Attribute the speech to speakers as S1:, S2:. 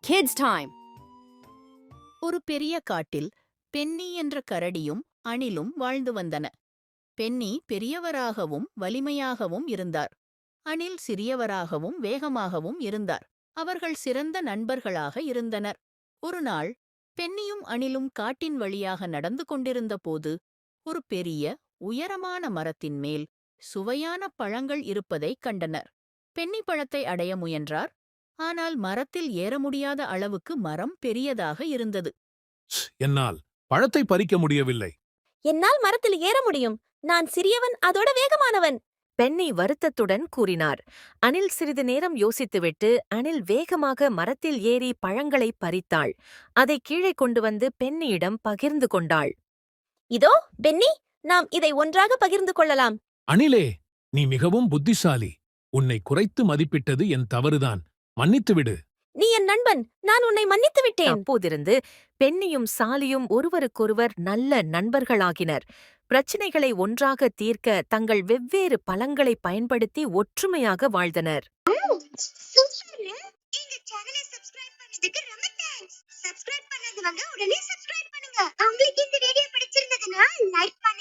S1: kids' time.
S2: ஒரு பெரிய காட்டில் பென்னி என்ற கரடியும் அணிலும் வாழ்ந்து வந்தன. பென்னி பெரியவராகவும் வலிமையாகவும் இருந்தார். அணில் சிறியவராகவும் வேகமாகவும் இருந்தார். அவர்கள் சிறந்த நண்பர்களாக இருந்தனர். ஒருநாள் பென்னியும் அணிலும் காட்டின் வழியாக நடந்து கொண்டிருந்த போது ஒரு பெரிய உயரமான மரத்தின் மேல் சுவையான பழங்கள் இருப்பதைக் கண்டனர். பென்னி பழத்தை அடைய முயன்றார். ஆனால் மரத்தில் ஏற முடியாத அளவுக்கு மரம் பெரியதாக இருந்தது.
S3: என்னால் பழத்தை பறிக்க முடியவில்லை.
S4: என்னால் மரத்தில் ஏற முடியும். நான் சிறியவன், அதோட வேகமானவன்.
S5: பென்னி வருத்தத்துடன் கூறினார். அணில் சிறிது நேரம் யோசித்துவிட்டு அணில் வேகமாக மரத்தில் ஏறி பழங்களை பறித்தாள். அதை கீழே கொண்டு வந்து பென்னியிடம் பகிர்ந்து கொண்டாள்.
S4: இதோ பென்னி, நாம் இதை ஒன்றாக பகிர்ந்து கொள்ளலாம்.
S3: அணிலே, நீ மிகவும் புத்திசாலி. உன்னை குறைத்து மதிப்பிட்டது என் தவறுதான். மன்னித்துவிடு.
S4: நீ என் நண்பன், நான் உன்னை மன்னித்து விட்டேன்.
S5: அப்போதிருந்து பென்னியும் சாலியும் ஒருவருக்கொருவர் நல்ல நண்பர்களாகினர். பிரச்சினைகளை ஒன்றாக தீர்க்க தங்கள் வெவ்வேறு பலங்களை பயன்படுத்தி ஒற்றுமையாக வாழ்ந்தனர்.
S6: சப்ஸ்கிரைப் பண்ணாதவங்க உடனே சப்ஸ்கிரைப் பண்ணுங்க. உங்களுக்கு இந்த வீடியோ பிடிச்சிருந்ததுன்னா லைக் பண்ணுங்க.